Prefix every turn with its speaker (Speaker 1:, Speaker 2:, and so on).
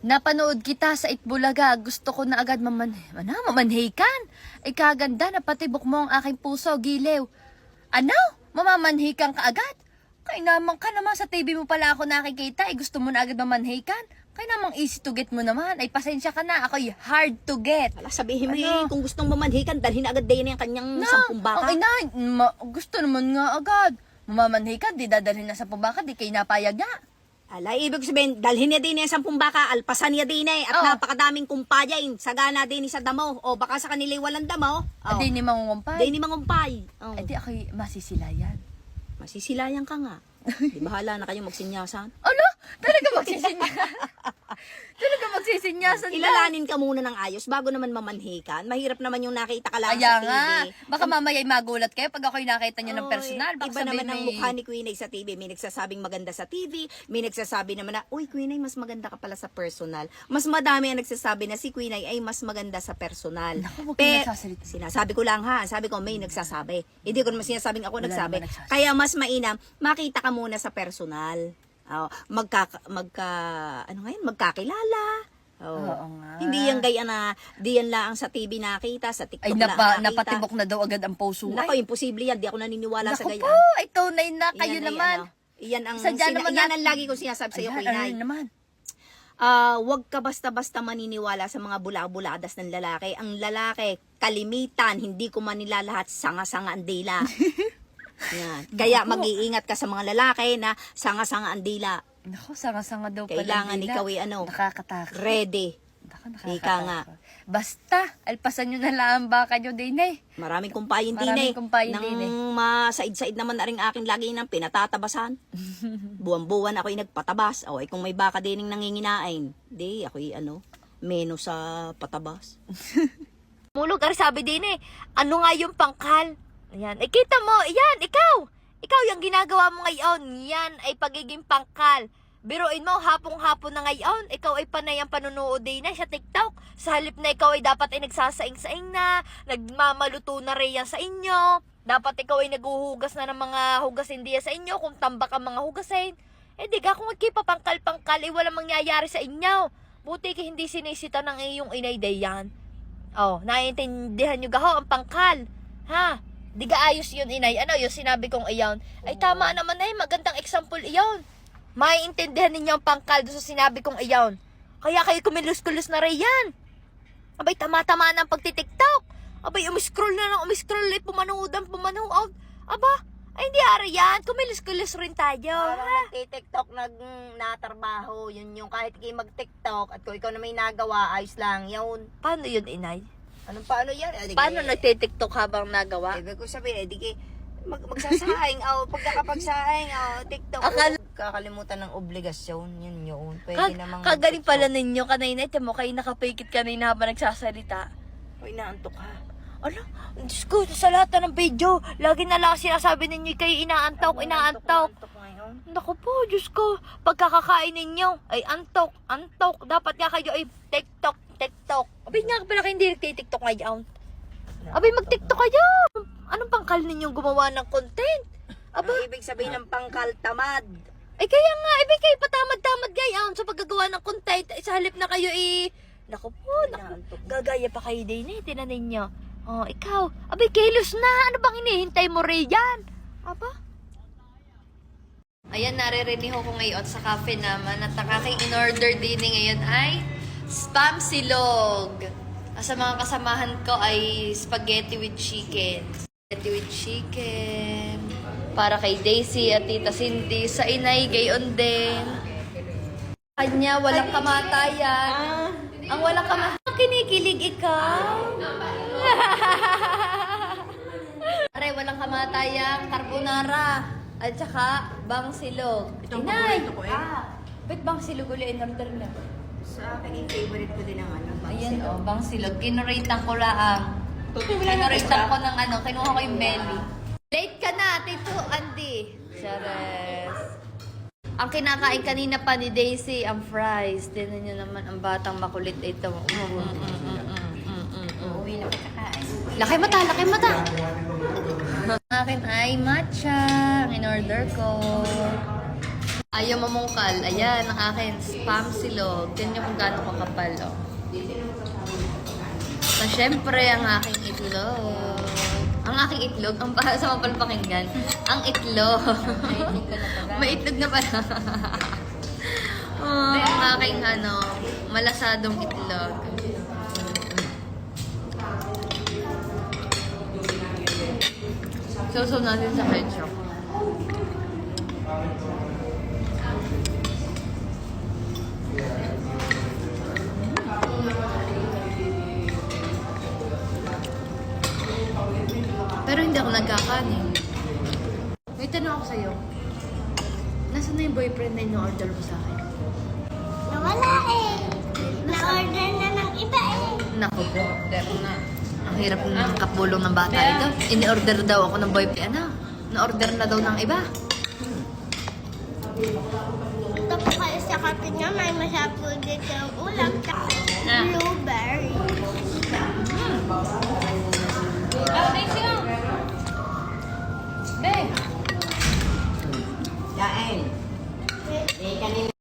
Speaker 1: Napanood kita sa Itbulaga. Gusto ko na agad mamanhikan. Ikaganda na patibok mo ang aking puso, giliw. Ano? Mamamanhikan ka agad? Kaya naman ka naman sa TV mo pala ako nakikita. Gusto mo na agad mamanhikan? Kaya namang easy to get mo naman. Ay, pasensya ka na. Ako'y hard to get.
Speaker 2: Ala, sabihin mo
Speaker 1: Ano?
Speaker 2: kung gustong mamanhikan, dalhin agad din yung kanyang 10 baka.
Speaker 1: Okay na. Gusto naman nga agad. Mamamanhikan, di dadalhin na sa pabaka, di kayo napayag nga.
Speaker 2: Ala, ibig sabihin, dalhin niya din yung 10 baka, alpasan niya din at
Speaker 1: Oh.
Speaker 2: napakadaming kumpayain. Sagana din sa damo. O baka sa kanila walang damo. Oh.
Speaker 1: Di ni mangungumpay.
Speaker 2: Di ni mangumpay. Oh.
Speaker 1: Di ako'y masisilayan.
Speaker 2: Masisilayan ka nga. Di bahala na kayo magsinyasan.
Speaker 1: Ano? Talaga magsisinyasan? Talaga magsisinyasan na?
Speaker 2: Ilalanin ka muna ng ayos bago naman mamanhikan. Mahirap naman yung nakita ka lang
Speaker 1: Kaya
Speaker 2: sa TV.
Speaker 1: nga. Baka mamaya'y magulat kayo pag ako'y nakita nyo ng
Speaker 2: Oy,
Speaker 1: personal. Baka
Speaker 2: iba naman ang
Speaker 1: may...
Speaker 2: mukha ni Queen Ay sa TV. May nagsasabing maganda sa TV. May nagsasabi naman na, uy, Queen Ay, mas maganda ka pala sa personal. Mas madami ang nagsasabi na si Queen Ay mas maganda sa personal.
Speaker 1: Naku, huwag kayo nagsasalita.
Speaker 2: Sinasabi ko lang ha. Sabi ko, may nagsasabi. Hindi ko naman sinasabing ako
Speaker 1: Wala
Speaker 2: nagsabi.
Speaker 1: naman nagsasabi.
Speaker 2: Kaya mas mainam, makita ka muna sa personal. Oh, magkakilala. Oh.
Speaker 1: Oo nga.
Speaker 2: Hindi yan gaya na, di yan lang sa TV nakita, sa TikTok
Speaker 1: Ay,
Speaker 2: lang nakita.
Speaker 1: napatibok na daw agad ang puso.
Speaker 2: Nako, imposible yan. Di ako naniniwala sa
Speaker 1: Naku
Speaker 2: gaya.
Speaker 1: po, ito na kayo
Speaker 2: Iyan ay
Speaker 1: naman.
Speaker 2: Iyan ang,
Speaker 1: Sadya naman
Speaker 2: iyan ang lagi ko sinasabi sa iyo,
Speaker 1: Ayan,
Speaker 2: Queen
Speaker 1: ano
Speaker 2: Ay.
Speaker 1: naman?
Speaker 2: Huwag ka basta-basta maniniwala sa mga bula-buladas ng lalaki. Ang lalaki, kalimitan, hindi ko manilalahat, sanga-sanga ang dila. Yan. Kaya mag-iingat ka sa mga lalaki na sanga-sanga ang dila.
Speaker 1: Naku, sanga-sanga daw pala.
Speaker 2: Kailangan
Speaker 1: nila.
Speaker 2: ikaw ay
Speaker 1: Nakakatakot.
Speaker 2: ready.
Speaker 1: Naku,
Speaker 2: Ika nga.
Speaker 1: Basta, alpasan nyo na lang ang baka nyo din eh.
Speaker 2: Maraming kumpayin din
Speaker 1: Maraming
Speaker 2: eh.
Speaker 1: kumpayin
Speaker 2: Nang
Speaker 1: din eh.
Speaker 2: masaid-said naman na rin aking lagi ng pinatatabasan. Buwan-buwan ako'y nagpatabas. O, kung may baka din nanginginain, di ako'y meno sa patabas.
Speaker 1: Mulog, sabi din eh, ano nga yung pangkal? Ayan, kita mo, yan, ikaw yung ginagawa mo ngayon, yan ay pagiging pangkal. Biruin mo, hapong-hapon na ngayon, ikaw ay panay ang panunood din na sa TikTok. Sa halip na ikaw ay dapat ay nagsasaing-saing na, nagmamaluto na rin yan sa inyo. Dapat ikaw ay naguhugas na ng mga hugasin diya sa inyo, kung tambak ang mga hugasin. Di ka, kung magkipapangkal-pangkal, walang mangyayari sa inyo. Buti ka hindi sinisita ng iyong inay yan. Oh, naiintindihan nyo gaho ang pangkal. Ha? Di ka ayos yun, inay. Ano yung sinabi kong iyon? Ay, tama naman na magandang example iyon. Maiintindihan ninyo ang pangkal doon sa sinabi kong iyon. Kaya kayo kumilos-kulos na rin yan. Abay, tama-tama na ang pagtitiktok. Abay, umiscroll na lang, umiscroll ulit, pumanood. Aba, ay hindi ari yan. Kumilos-kulos rin tayo.
Speaker 2: Nagtitiktok, natrabaho, yun yung kahit kayo mag-tiktok at kung ikaw na may nagawa, ayos lang, yun.
Speaker 1: Paano yun, inay?
Speaker 2: Anong paano yan?
Speaker 1: Paano nagtitiktok habang nagawa?
Speaker 2: Ibig ko sabihin, magsasaing, pagkakapagsaing, TikTok, kakalimutan ng obligasyon, yun. Pwede namang
Speaker 1: Kagaling pala ninyo kanina. Ito mo, kayo nakapikit kanina habang nagsasalita.
Speaker 2: Uy, naantok ka.
Speaker 1: Ano? Diyos ko, sa lahat ng video, lagi na lang sinasabi ninyo kayo inaantok.
Speaker 2: Antok ngayon.
Speaker 1: Naku po, Diyos ko, pagkakakain ninyo, ay antok. Dapat nga kayo ay TikTok. Abay nga pala kayo hindi nagtitiktok ngayon. Abay, mag-tiktok kayo. Anong pangkal ninyong gumawa ng content?
Speaker 2: Aba, ibig sabihin ng pangkal tamad.
Speaker 1: Ay kaya nga, ibig kayo patamad-tamad gayon sa paggagawa ng content. Sa halip na kayo naku po, gagaya pa kayo din eh, tinan ninyo. Oh, ikaw, abay kilos na, ano bang hinihintay mo riyan? Aba? Ayan, naririnig ko ngayon sa cafe naman at ang aking in-order din ngayon ay spam silog. Sa mga kasamahan ko ay spaghetti with chicken. Para kay Daisy at Tita Cindy. Sa inay, gayon din. Kanya, walang kamatayan. Ang walang kamatayan. Kinikilig ikaw. Pare, walang kamatayan. Carbonara. At saka, bang silog.
Speaker 2: Itong
Speaker 1: Inay!
Speaker 2: paborito ko eh.
Speaker 1: Ba't bang silog ulit in-order na?
Speaker 2: Sa akin, yung favorite ko din ang
Speaker 1: Ayan o, bang silog. Kinuritan ko lang. Kinuritan ko ng kinuha ko yung belly. Late ka na, Tito Andy. Chares. Ang kinakain kanina pa ni Daisy, ang fries. Tinan nyo naman, ang batang makulit ito.
Speaker 2: Uwi na kakain.
Speaker 1: Laki mata. Ang akin ay matcha. Ang in-order ko. Ayaw mamungkal. Ayan, ang akin. Spam silog. Ganyan kung gaano kakapal, oh. So, syempre, ang aking itlog. Ang aking itlog, ang sa mapalpakinggan, ang itlog. May itlog na pala. Oh, ang aking malasadong itlog. So natin sa ketchup. Pero hindi ako nagkakanin. May tanong ako sa'yo. Nasaan na yung boyfriend na in-order mo sa akin?
Speaker 3: Nawala eh. Na-order na ng iba eh.
Speaker 1: Naku po. Ang hirap ng kapulong ng bata ito. Ini-order daw ako ng boyfriend. Na-order na daw ng iba.
Speaker 3: Ito po kayo sa kapit nga, may masarap po dito yung ulam.
Speaker 1: Ah.
Speaker 3: Blueberry.
Speaker 1: Be!
Speaker 2: Kain. Eh, kanina